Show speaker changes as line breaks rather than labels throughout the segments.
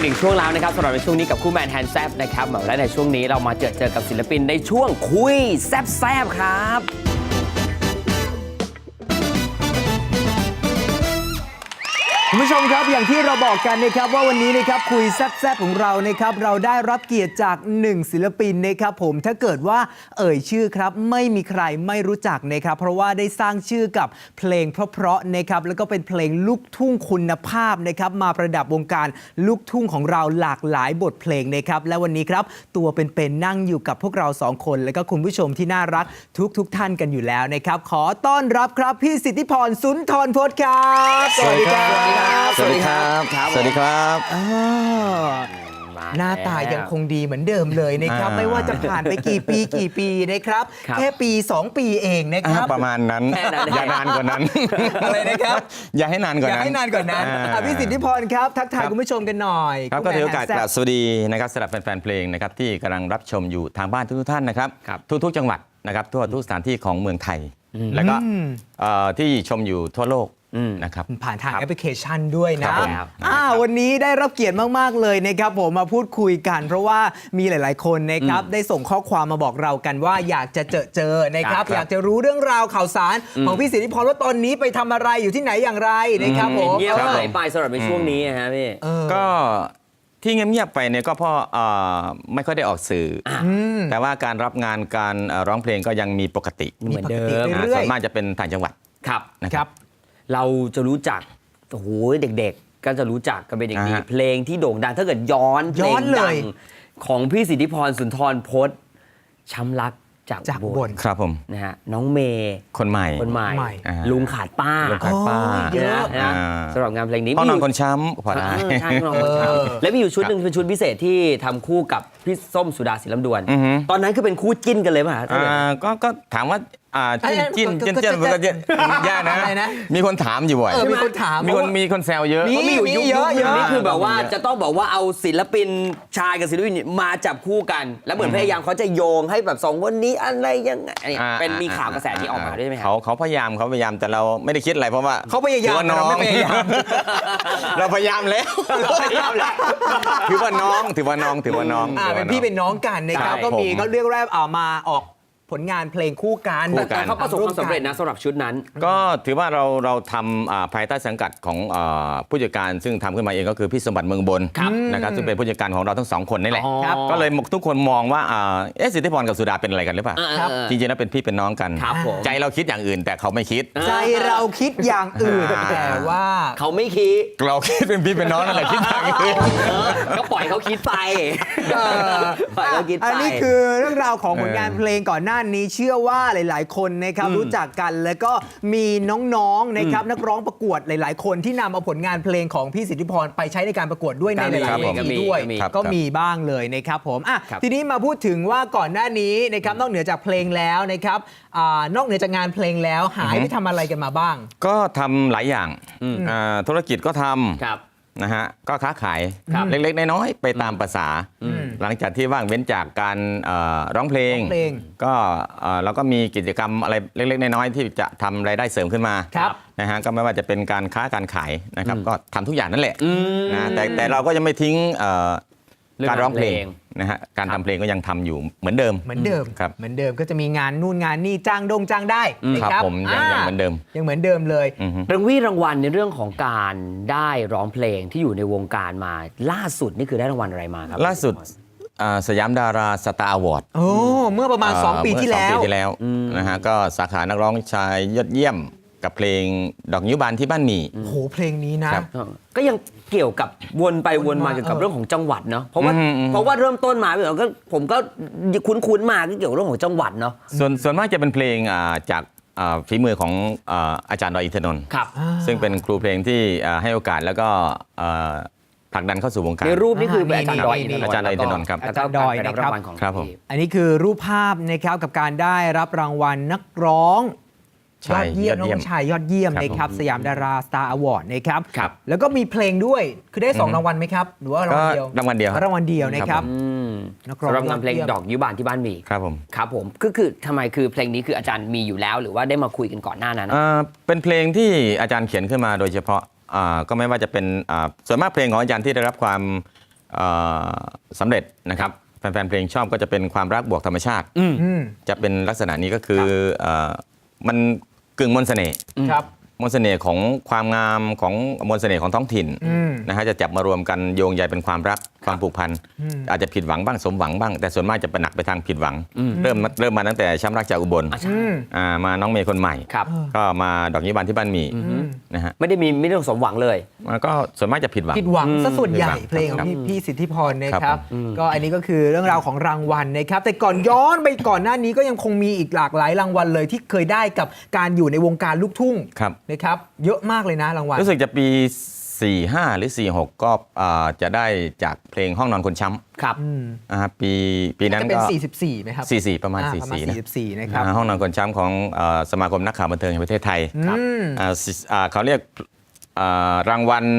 อีกช่วงแล้วนะครับสำหรับในช่วงนี้กับคู่แมนแฮนด์แซบนะครับและในช่วงนี้เรามาเจอกับศิลปินในช่วงคุยแซบๆครับ
คุณผู้ชมครับอย่างที่เราบอกกันนะครับว่าวันนี้นะครับคุยแซ่บๆของเรานะครับเราได้รับเกียรติจาก1ศิลปินนะครับผมถ้าเกิดว่าเอ่ยชื่อครับไม่มีใครไม่รู้จักนะครับเพราะว่าได้สร้างชื่อกับเพลงเพราะๆนะครับแล้วก็เป็นเพลงลูกทุ่งคุณภาพนะครับมาประดับวงการลูกทุ่งของเราหลากหลายบทเพลงนะครับและวันนี้ครับตัวเป็นๆนั่งอยู่กับพวกเรา2คนและก็คุณผู้ชมที่น่ารักทุกท่านกันอยู่แล้วนะครับขอต้อนรับครับพี่สิทธิพรสุนทรพจน์ครับสวัสดีครับ
สวัสดีครับสวัสดีครับ
หน้าตายังคงดีเหมือนเดิมเลยนะครับไม่ว่าจะผ่านไปกี่ปีนะครับแค่ปี2 ปีเองนะครับ
ประมาณนั้นอย่านานกว่านั้น
อะไรนะครับ
อย่าให้นานกว่านั้น
อย่าให้นานกว่านั้นพี่สิทธิพรครับทักทายคุณผู้ชมกันหน่อย
ครับก็ถือโอกาสกราบสวัสดีนะครับสำหรับแฟนๆเพลงนะครับที่กำลังรับชมอยู่ทางบ้านทุกท่านนะครับทุกจังหวัดนะครับทั่วทุกสถานที่ของเมืองไทยแล้วก็ที่ชมอยู่ทั่วโลกนะครับ
ผ่านทางแอปพลิเคชันด้วยนะวันนี้ได้รับเกียรติมากๆเลยนะครับผมมาพูดคุยกันเพราะว่ามีหลายๆคนนะครับได้ส่งข้อความมาบอกเรากันว่าอยากจะเจอนะครับอยากจะรู้เรื่องราวข่าวสารของพี่สิทธิพรว่าตอนนี้ไปทำอะไรอยู่ที่ไหนอย่างไรนะครับผม
เงียบหายไปสำหรับในช่วงนี้นะฮะพี่
ก็ที่เงียบๆไปเนี่ยก็เพราะไม่ค่อยได้ออกสื่อแต่ว่าการรับงานการร้องเพลงก็ยังมีปกติ
เหมือนเดิม
ส่วนมากจะเป็นต่างจังหวัด
นะครับเราจะรู้จักโอ้โหเด็กๆก็จะรู้จักกันเป็นอย่างดีเพลงที่โด่งดังถ้าเกิดย้อนเพลงดังของพี่สิทธิพรสุนทรพจน์ช้ำรักจากบน
ครับผม
นะฮะน้องเมย์
คนใหม่
ลุงขาดป้า
เยอะ
นะสำหรับงานเพลงนี้
พ่อนอนคนช้ำพอได้
ใช่พ่อนอนคนช้ำและมีอยู่ชุดหนึ่งเป็นชุดพิเศษที่ทำคู่กับพี่ส้มสุดาศิลป์ลำดวนตอนนั้นคือเป็นคู่จิ้นกันเลยป่ะ
ก็ถามว่าจิ้นมันก็ยากนะมีคนถามอยู่บ่อย
มีคนถาม
มีคนแซวเยอะ
มีอยู่ยุคนี้คือแบบว่าจะต้องบอกว่าเอาศิลปินชายกับศิลปินมาจับคู่กันแล้วเหมือนพยายามเขาจะโยงให้แบบ2คนนี้อะไรยังไงเป็นมีข่าวกระแสที่ออกมาด้วยไหมครับ
เขาพยายามแต่เราไม่ได้คิดอะไรเพราะว่า
เขาพยายาม
เราไม่พยายามเราพยายามแล้วถือว่าน้อง
เป็นพี่เป็นน้องกันนะครับก็มีก็เรียกแรกมาออกผลงานเพลงคู่กัน
แต่เขาประสบความสำเร็จนะสำหรับชุดนั้น
ก็ถือว่าเราทำภายใต้สังกัดของผู้จัดการซึ่งทำขึ้นมาเองก็คือพี่สมบัติเมืองบนนะครับซึ่งเป็นผู้จัดการของเราทั้ง2คนนี่แหละก็เลยทุกคนมองว่าสิทธิพรกับสุดาเป็นอะไรกันหรือเปล่าจริงๆแล้วเป็นพี่เป็นน้องกันใจเราคิดอย่างอื่นแต่เขาไม่คิด
ใจเราคิดอย่างอื่นแต่ว่า
เขาไม่คิด
เราคิดเป็นพี่เป็นน้องนั่นแหละคิดอย่างอื่น
ก็ปล่อยเขาคิดไป
อันนี้คือเรื่องราวของผลงานเพลงก่อนหน้านี้เชื่อว่าหลายๆคนนะครับรู้จักกันแล้วก็มีน้องๆนะครับนักร้องประกวดหลายๆคนที่นำเอาผลงานเพลงของพี่สิทธิพรไปใช้ในการประกวดด้วยในหลายๆเวทีด้วยก็มีบ้างเลยนะครับผมทีนี้มาพูดถึงว่าก่อนหน้านี้นะครับนอกเหนือจากเพลงแล้วนะครับนอกเหนือจากงานเพลงแล้วหายไปทำอะไรกันมาบ้าง
ก็ทำหลายอย่างธุรกิจก็ทำนะฮะก็ค้าขายเล็กๆน้อยๆไปตามภาษาหลังจากที่ว่างเว้นจากการร้องเพลงก็เราก็มีกิจกรรมอะไรเล็กๆน้อยๆที่จะทำรายได้เสริมขึ้นมานะฮะก็ไม่ว่าจะเป็นการค้าการขายนะครับก็ทำทุกอย่างนั่นแหละนะแต่เราก็ยังไม่ทิ้งการร้องเพลงนะฮะการทำเพลงก็ยังทำอยู่เหมือนเดิม
ครับเหมือนเดิมก็จะมีงานนู่นงานนี่จ้างได้
ครับผมยังเหมือนเดิม
ยังเหมือนเดิมเลย
รางวัลในเรื่องของการได้ร้องเพลงที่อยู่ในวงการมาล่าสุดนี่คือได้รางวัลอะไรมาครับ
ล่าสุดสยามดาราสตาร์อวอร์ด
เมื่อประมาณ2 ปีที่แล้ว
นะฮะก็สาขานักร้องชายยอดเยี่ยมกับเพลงดอกนิ้วบานที่บ้านหมี่
โอ้โหเพลงนี้นะ
ก็ยังเกี่ยวกับวนไปวนมาเกี่ยวกับเรื่องของจังหวัดเนาะเพราะว่าเริ่มต้นมาผมก็คุ้นมาก็เกี่ยวกับเรื่องของจังหวัดเนาะ
ส่วนมากจะเป็นเพลงจากฝีมือของอาจารย์ดอยอินทนนท์ซึ่งเป็นครูเพลงที่ให้โอกาสแล้วก็ผลักดันเข้าสู่วงการ
ในรูปนี่คืออาจารย์ดอยอิน
ทนนท์ครับ
อาจารย์ดอยนะครับ
ครับผม
อันนี้คือรูปภาพนะครับกับการได้รับรางวัลนักร้องยอดเยี่ยมน้องชายยอดเยี่ยมนะครับสยามดาราสตาร์อวอร์ดนะครับแล้วก็มีเพลงด้วยคือได้2 รางวัลไหมครับหรือว่ารางวัลเดียว
รางวัลเดียว
นะครับ
สำหรับงานเพลงดอกนิ้วบานที่บ้านมี
ครับ
ผมคือทำไมคือเพลงนี้คืออาจารย์มีอยู่แล้วหรือว่าได้มาคุยกันก่อนหน้านั้น
เป็นเพลงที่อาจารย์เขียนขึ้นมาโดยเฉพาะก็ไม่ว่าจะเป็นส่วนมากเพลงของอาจารย์ที่ได้รับความเอ่อสำเร็จนะครับแฟนๆเพลงชอบก็จะเป็นความรักบวกธรรมชาติ จะเป็นลักษณะนี้ก็คือมันกึ่งมนต์เสน่ห์
ครับ
มนต์เสน่ห์ของความงามของมนต์เสน่ห์ของท้องถิ่นนะฮะจะจับมารวมกันโยงใยเป็นความรักความผูกพันอาจจะผิดหวังบ้างสมหวังบ้างแต่ส่วนมากจะเป็นหนักไปทางผิดหวังเริ่มมาตั้งแต่ช้ำรักจากอุบลมาน้องเมย์คนใหม่
ครับ
ก็มาดอกยิ้มบานที่บ้านหมีนะฮะ
ไม่ได้สมหวังเลย
ก็ส่วนมากจะผิดหวัง
ผิดหวังซะส่วนใหญ่
ผิดหวัง
เพลงของ
ครับ
พี่สิทธิพรนะค
ครั
รับ
บ
ก็อันนี้ก็คือเรื่องราวของรางวัลนะครับ แต่ก่อนย้อนไปก่อนหน้านี้ก็ยังคงมีอีกหลากหลายรางวัลเลยที่เคยได้กับการอยู่ในวงการลูกทุ่ง
ครับ
นะครับ เยอะมากเลยนะรางวัล
รู้สึกจะปี 45 หรือ 46 ก็จะได้จากเพลงห้องนอนคนช้ำ
ครับ
ปีนั้น
จะเป็น
ก็
44ไหมครับ
44 ประมาณ
ประมาณ
44นะ
44นะครับ
ห้องนอนคนช้ำของสมาคมนักข่าวบันเทิงแห่งประเทศไทย
ครับ
เขาเรียกรางวัล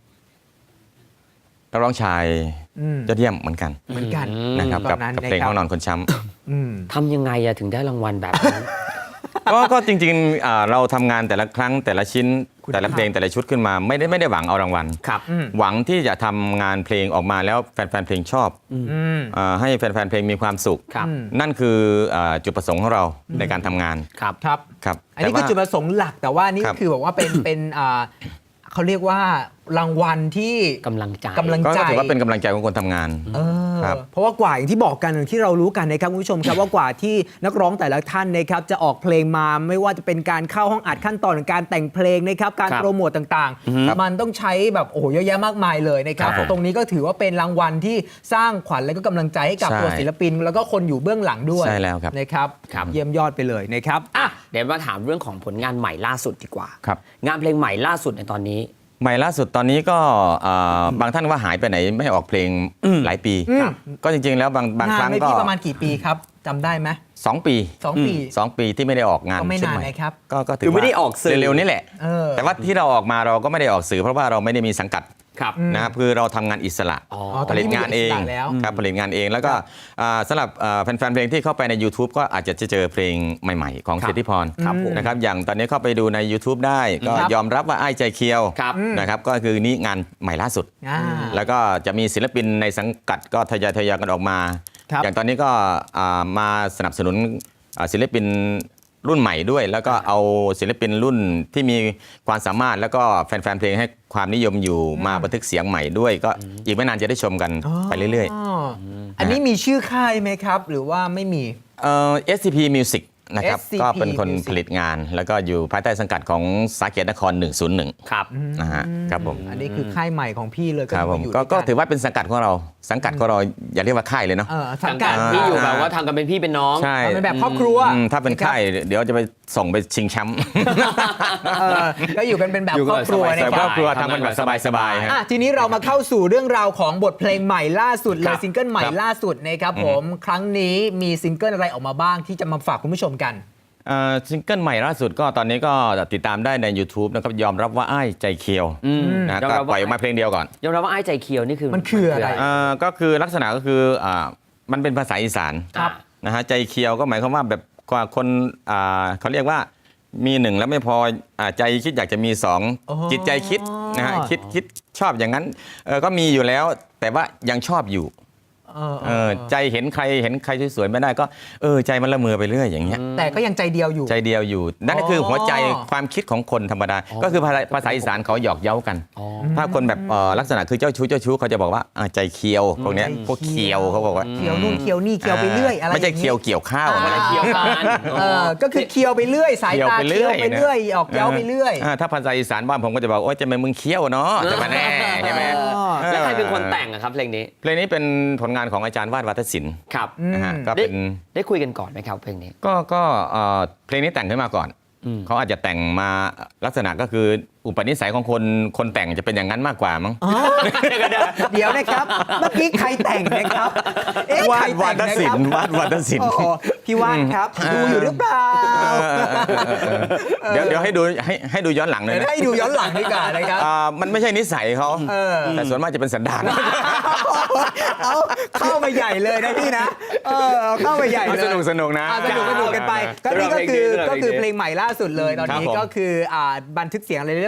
นักร้องชายยอดเยี่ยมเหมือนกัน
เหมือนกัน
นะครับ
ต
กั
อบ นนั้น
เพลง
นะครับ
ห้องนอนคนช้ำ
ทำยังไงอะถึงได้รางวัลแบบนั้น
ก็จริงๆเราทำงานแต่ละครั้งแต่ละชิ้นแต่ละเพลงแต่ละชุดขึ้นมาไม่ได้หวังเอารางวัล
ครับ
หวังที่จะทำงานเพลงออกมาแล้วแฟนๆเพลงชอบให้แฟนๆเพลงมีความสุข
ครับ
นั่นคือจุดประสงค์ของเราในการทำงาน
ครับ
ครับ
ครับ
อันนี้คือจุดประสงค์หลักแต่ว่านี่
ครับ
คือบอกว่าเป็นเขาเรียกว่ารางวัลที่
กำลังใจ
กำลัง
ก็
ใจ
ถือว่าเป็นกำลังใจของคนทำงาน ครับ
เพราะว่ากว่าอย่างที่บอกกันอย่างที่เรารู้กันนะครับคุณผู้ชมครับ ว่ากว่าที่นักร้องแต่ละท่านนะครับจะออกเพลงมาไม่ว่าจะเป็นการเข้าห้องอัดขั้นตอนของการแต่งเพลงนะครับการ
ครับ
โปรโมตต่างๆ มันต้องใช้แบบโอ้โหเยอะแยะมากมายเลยนะครับ
ครับผม
ตรงนี้ก็ถือว่าเป็นรางวัลที่สร้างขวัญและก็กำลังใจให้กับ
ใช่
ตัวศิลปิน แล้วก็คนอยู่เบื้องหลังด้วย
ใช่แล้วครับ
นะครับ
ครับ
เยี่ยมยอดไปเลยนะครับ
อ่ะเดี๋ยวมาถามเรื่องของผลงานใหม่ล่าสุดดีกว่า
ครับ
งานเพลงใหม่ล่าสุดในตอนนี้
ใหม่ล่าสุดตอนนี้ก็บางท่านว่าหายไปไหนไม่ออกเพลงหลายปี
ครับ
ก็จริงๆแล้วบาง
งา
ครั้
น
ง
ใน
ก็
พี่ประมาณกี่ปีครับจำได้ไหม
2 ปี
2 ปี
2 ปีที่ไม่ได้ออกงาน
ก็ไม่
ชุด
นาน
ใหม่
นะครับ
ก็ถื
คือไม่ได้ออกสื่อ
เร็วๆนี่แหละ
เออ
แต่ว่าที่เราออกมาเราก็ไม่ได้ออกสื่อเพราะว่าเราไม่ได้มีสังกัด
ครับ
นะครับคือเราทำงานอิสระ
อ๋อ
ต
ผ
อนนี้
ลิตงานเอง
มีอิสระแล้ว
ครับผลิตงานเองแล้วก็สำหรับแฟนๆเพลงที่เข้าไปใน YouTube ก็อาจจะเจอเพลงใหม่ๆ ของ
ครับ
สิทธิพร
ครับผม
นะครับอย่างตอนนี้เข้าไปดูใน YouTube ได้ก็
ครับ
ยอมรับว่าไอ้ายใจเคียว
ครับ
นะครับก็คือนี่งานใหม่ล่าสุด แล้วก็จะมีศิลปินในสังกัดก็ทยอยกันออกมา
ครับ
อย่างตอนนี้ก็มาสนับสนุนศิลปินรุ่นใหม่ด้วย แล้วก็เอาศิลปินรุ่นที่มีความสามารถแล้วก็แฟนๆเพลงให้ความนิยมอยู่มาบันทึกเสียงใหม่ด้วย ก็อีกไม่นานจะได้ชมกันไปเรื่อย
อันนี้มีชื่อค่ายไหมครับ หรือว่าไม่มี
ๆ SCP Music นะครับ
SCP
ก็เป็นคน
Music
ผลิตงาน แล้วก็อยู่ภายใต้สังกัดของสาเกตนคร 101
ครับ
นะฮะครับผม
อันนี้คือค่ายใหม่ของพี่เลย
ครับผม
อยู่
ก็
ด้วยน
ถือว่าเป็นสังกัดของเราสังกัดของเราอย่าเรียกว่าค่ายเลยเนาะ
สังกัด
ที่อยู่แบบว่าทำกันเป็นพี่เป็นน้อง
ใช่
เอาเป็นแบบครอบครัว
ถ้าเป็นค่ายเดี๋ยวจะไปส่งไปชิงแชมป์
เออก็อยู่กันเป็นแบบ
อยู่
ค
กั
ร
น
อบครัว
สบายๆ
นะ
แต่
ค
คร
รั
อบ บครัวทำกันแบบสบายๆฮะ
ทีนี้เรามาเข้าสู่เรื่องราวของบทเพลงใหม่ล่าสุดเล
ครั
ย
บ
ซิงเกิลใหม่ล่าสุดนะครับผมครั้งนี้มีซิงเกิลอะไรออกมาบ้างที่จะมาฝากคุณผู้ชมกัน
ซิงเกิลใหม่ล่าสุดก็ตอนนี้ก็ติดตามได้ใน YouTube นะครับยอมรับว่าอ้ายใจเคียวนะ
ยอม
ก็
รับว่า
ปล่อยออกมาเพลงเดียวก่อน
ยอมรับว่าไอ้ใจเคียวนี่คือ
มันคืออะไร
ก็คือลักษณะก็คือมันเป็นภาษาอีสาน
ครับ
นะฮะใจเคียวก็หมายความว่าแบบคนเขาเรียกว่ามีหนึ่งแล้วไม่พอใจคิดอยากจะมีสอง
อ๋อ
จิตใจคิดนะฮะคิดชอบอย่างนั้นก็มีอยู่แล้วแต่ว่ายังชอบอยู่ ใจเห็นใครสวยๆไม่ได้ก็ใจมันละเมอไปเรื่อยอย่างเงี้ย
แต่ก็ยังใจเดียวอยู่
ใจเดียวอยู่ นั่นก็คือหัวใจความคิดของคนธรรมดา ก็คือภาษาอีสานเขาหยอกเย้ากัน ถ้าคนแบบลักษณะคือเจ้าชู้เขาจะบอกว่าใจเคียวพวกเนี้ยพวกเคียวเขาบอกว่า
เคียวนู่นเคียวนี่เคียวไปเรื่อยอะไร
ไม่ใช่
อางงี้
เคียวเกี่ยวข้าว
ไม่ได้เคียวกัน
ก็คือเคียวไปเรื่อยสายตา
เคี้ยวไปเรื่อย
เคียวไปเรื่อยออกเย้าไปเรื่อย
ถ้าภาษาอีสานบ้านผมก็จะบอกโอ๊ยจะเป็นมึงเคี้ยวเนาะจะมาแน่ใช่ไหม
แล้วใครเป็นคนแต่งอะครับเพลงนี้
เพลงนี้เป็นผลงานของอาจารย์วาดวัฒศิลป์
ครับ
นะฮะก็
ได้
เป็น
ได้คุยกันก่อนไหมครับเพลงนี้
ก็เพลงนี้แต่งขึ้นมาก่อน เขาอาจจะแต่งมาลักษณะก็คืออุปนิสัยของคนแต่งจะเป็นอย่างนั้นมากกว่ามั้ง
เดี๋ยวนะครับ เมื่อกี้ใครแต่งนะครับใครแต่งนะครับ
วาดวัฒศิล
โอ้
ป์
โหพี่ว่านครับดูอยู่หรือเปล่า
เดี๋ยวให้ดูย้อนหลังเลยนะ
ให้ดูย้อนหลังดีกว่านะครับ
มันไม่ใช่นิสัยเขา
เออ
แต่ส่วนมากจะเป็นสันดาน
เอาเข้ามาใหญ่เลยนะพี่นะเอาเข้ามาใหญ่เลย
สนุกนะ
สนุกกันไปก็นี่ก็คือเพลงใหม่ล่าสุดเลยตอนนี้
ครับผม
ก็คือบันทึกเสียงอะไรเรียบ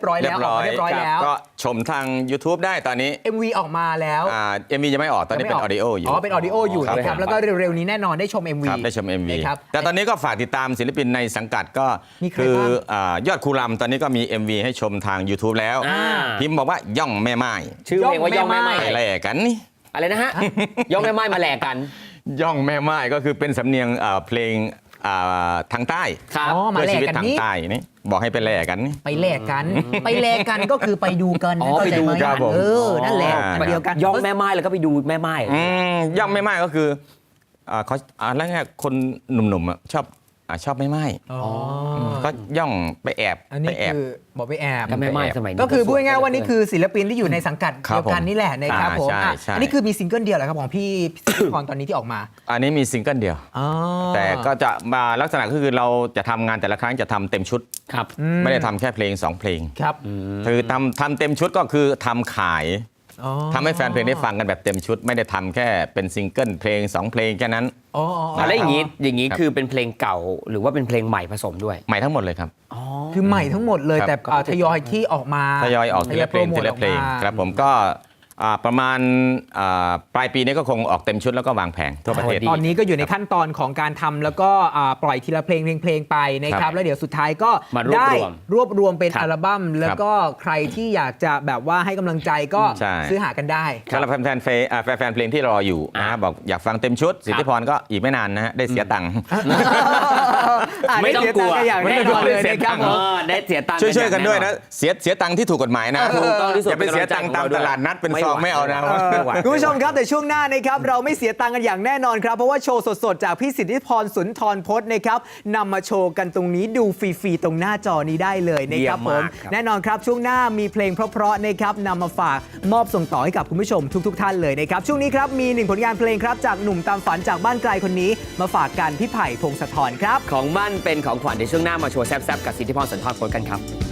ร้อยแล้วออกมาเรียบร้อยแล้ว
ก็ชมทาง YouTube ได้ตอนนี้
MV ออกมาแล้ว
MV ยังไม่ออกตอนนี้เป็นออดิโออยู่
เป็นออดิโออยู่นะครับแล้วก็เร็วๆนี้แน่นอนได้ชม MV
ครับได้ชม MV
นะครับ
แต่ตอนนี้ก็ฝากติดตามศิลปินในสังกัดก็
มีใคร
คือ
บ้าง
ยอดครูลำตอนนี้ก็มี MV ให้ชมทาง YouTube แล้ว
อ่า
พิมพ์บอกว่าย่องแม่ไม้
ชื่อเพลงว่าย่องแม่ไม้
ไปแลกกันนี่
อะไรนะฮะ ย่องแม่ไม้มาแหลกกัน
ย่องแม่ไม้ก็คือเป็นสำเนียงเพลงทางใต้
ครับ
อ๋อมา
เพื่อ
แล
ชี
ก
วิต
กัน
ทาง
นี่
ใต้นี่บอกให้ไปแลกกันนี่
ไปแลกกัน ไปแลกกันก็คือไปดูกัน
อ๋อ
เข้าใจ
ไปดู
ไหม
ครับผม
นั่นแหละ
อ๋อ
เดียวกัน
ย่องแม่ไม้แล้วก็ไปดูแม่ไม้
ย่องแม่ไม้ก็คือเขาแล้วไงคนหนุ่มๆชอบแม่ไม้
อ๋อ
ก็ย่องไปแอบ
อันนี้
ไปแอบ
คือบอกไปแอบ
ก็แม่ไม้สมัยนี้
ก็คือพูดง่ายๆว่านี่คือศิลปินที่อยู่ในสังกัด
ครั
เดี
บ
ยวกันนี่แหละนะครับผม
ใช่
อ่ะ
ใช่
อันนี้คือมีซิงเกิลเดียวเหรอครับของพี่พรตอนนี้ที่ออกมา
อันนี้มีซิงเกิลเดียว
อ๋อ
แต่ก็จะมาลักษณะก็คือเราจะทำงานแต่ละครั้งจะทำเต็มชุด
ครับ
ไม่ได้ทำแค่เพลง 2 เพลง
ครับ
คือทำเต็มชุดก็คือทำขาย
อ๋อ
ทำให้แฟนเพลงได้ฟังกันแบบเต็มชุด ไม่ได้ทำแค่เป็นซิงเกิลเพลง 2 เพลงแค่นั้น
อ๋อ
แล้วอย่างนี้
ครับ
คือเป็นเพลงเก่าหรือว่าเป็นเพลงใหม่ผสมด้วย
ใหม่ทั้งหมดเลยครับ
คือใหม่ทั้งหมดเลย
ครับ
แต่ทยอยที่ออกมา
ทยอยออกทีละเพลง
โปรโม
ที
ท
ละเพลง
ออกมา
ครับผมก็ประมาณปลายปีนี้ก็คงออกเต็มชุดแล้วก็วางแผงทั่วประเทศ
ตอนนี้ก็อยู่ในขั้นตอนของการทำแล้วก็ปล่อยทีละเพลงไปนะค
ครั
รับบ แล้วเดี๋ยวสุดท้ายก็
มารวบ
ได้
รวม
รวบรวมเป็น
ครับ
อัลบั้มแล้วก็ใครที่อยากจะแบบว่าให้กำลังใจก็
ใช่
ซื้อหากันได้
สำหรับแฟนเพลงที่รออยู่นะบอกอยากฟังเต็มชุดสิทธิพรก็อีกไม่นานนะฮะได้เสียตังค์
ไม่ต้องกลัว
ได้เสียตังค์อย่างแน่นอนเลย
ไม่ต้องกลัว
นะครับผม
ได้เสียตังค์
ช่วยๆกันด้วยนะ
แ
เสียตังค์ที่ถูกกฎหมายนะ
ถูกต้องที่สุด
อย่าไปเสียตังค์ตามตลาดนัดเป็นซองไม่เอานะ
ไม่ไหว
คุณผู้ชมครับแต่ช่วงหน้านะครับเราไม่เสียตังค์กันอย่างแน่นอนครับเพราะว่าโชว์สดๆ จากพี่สิทธิพรสุนทรพจน์นะครับนำมาโชว์กันตรงนี้ดูฟรีๆตรงหน้าจอนี้ได้เลยนะครับ
เยี่
ผ
ยม
ม
มากครับ
แน่นอนครับช่วงหน้ามีเพลงเพราะๆนะครับนำมาฝากมอบส่งต่อให้กับคุณผู้ชมทุกๆท่านเลยนะครับช่วงนี้ครับมีหนึ่งผลงานเพลงครับจากหนุ่มตามฝันจากบ้านไกลคนนี้ มาฝากกันพี่ไผ่พงศธรครับ
ของมั่นเป็นของขวัญในช่วงหน้ามาโชว์แซ่บๆกับสิทธิพรสุนทรพจน์กันครับ